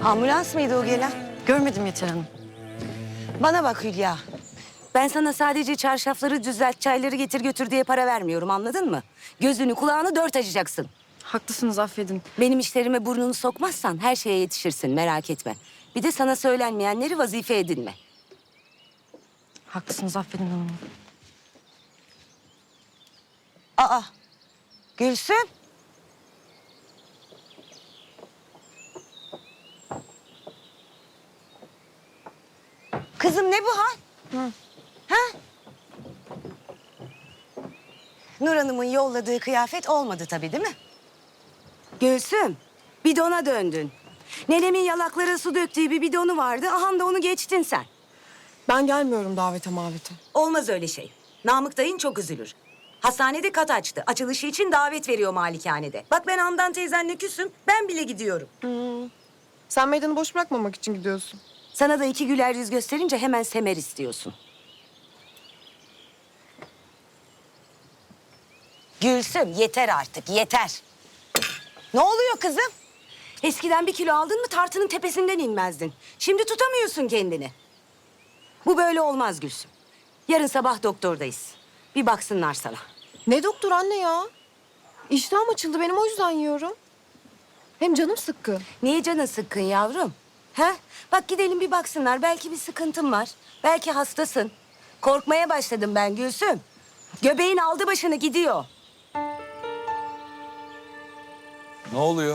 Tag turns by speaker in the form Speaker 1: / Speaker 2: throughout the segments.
Speaker 1: Ambulans mıydı o gelen?
Speaker 2: Görmedim Yeter Hanım.
Speaker 1: Bana bak Hülya. Ben sana sadece çarşafları düzelt, çayları getir götür diye para vermiyorum, anladın mı? Gözünü kulağını dört açacaksın.
Speaker 2: Haklısınız, affedin.
Speaker 1: Benim işlerime burnunu sokmazsan her şeye yetişirsin, merak etme. Bir de sana söylenmeyenleri vazife edinme.
Speaker 2: Haklısınız, affedin hanım.
Speaker 1: Aa, Gülsüm. Kızım ne bu hal? Ha? Nur Hanım'ın yolladığı kıyafet olmadı tabii, değil mi? Gülsüm, bidona döndün. Nenemin yalaklara su döktüğü bir bidonu vardı. Aha da onu geçtin sen.
Speaker 3: Ben gelmiyorum davete mavete.
Speaker 1: Olmaz öyle şey. Namık dayın çok üzülür. Hastanede kat açtı. Açılışı için davet veriyor malikanede. Bak ben Handan teyzenle küsüm. Ben bile gidiyorum.
Speaker 3: Sen meydanı boş bırakmamak için gidiyorsun.
Speaker 1: Sana da iki güler yüz gösterince hemen semer istiyorsun. Gülsüm yeter artık, yeter. Ne oluyor kızım? Eskiden 1 kilo aldın mı tartının tepesinden inmezdin. Şimdi tutamıyorsun kendini. Bu böyle olmaz Gülsüm. Yarın sabah doktordayız. Bir baksınlar sana.
Speaker 3: Ne doktor anne ya? İştahım açıldı benim, o yüzden yiyorum. Hem canım sıkkın.
Speaker 1: Niye canın sıkkın yavrum? Ha? Bak gidelim bir baksınlar. Belki bir sıkıntın var. Belki hastasın. Korkmaya başladım ben Gülsüm. Göbeğin aldı başını gidiyor.
Speaker 4: Ne oluyor?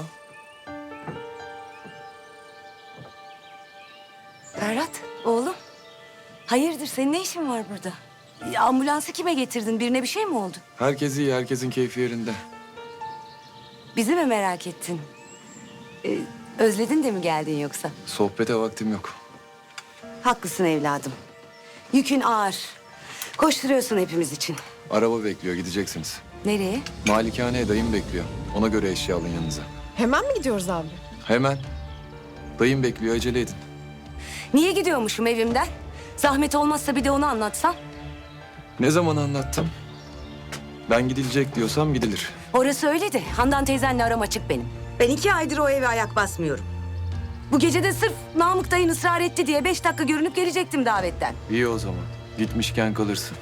Speaker 1: Ferhat, oğlum. Hayırdır, senin ne işin var burada? Ambulansı kime getirdin? Birine bir şey mi oldu?
Speaker 4: Herkes iyi, herkesin keyfi yerinde.
Speaker 1: Bizi mi merak ettin? Özledin de mi geldin yoksa?
Speaker 4: Sohbete vaktim yok.
Speaker 1: Haklısın evladım. Yükün ağır. Koşturuyorsun hepimiz için.
Speaker 4: Araba bekliyor, gideceksiniz.
Speaker 1: Nereye?
Speaker 4: Malikaneye dayım bekliyor. Ona göre eşya alın yanınıza.
Speaker 3: Hemen mi gidiyoruz abi?
Speaker 4: Hemen. Dayım bekliyor, acele edin.
Speaker 1: Niye gidiyormuşum evimden? Zahmet olmazsa bir de onu anlatsan.
Speaker 4: Ne zaman anlattım? Ben gidilecek diyorsam gidilir.
Speaker 1: Orası öyle de Handan teyzenle aram açık benim. Ben 2 aydır o eve ayak basmıyorum. Bu gece de sırf Namık dayın ısrar etti diye 5 dakika görünüp gelecektim davetten.
Speaker 4: İyi o zaman. Gitmişken kalırsın.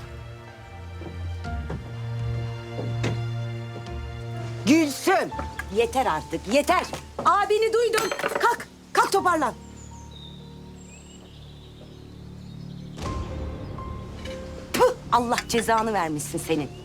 Speaker 1: Gülsüm! Yeter artık, yeter. Abini duydum. Kalk, kalk toparlan. Puh, Allah cezanı vermişsin senin.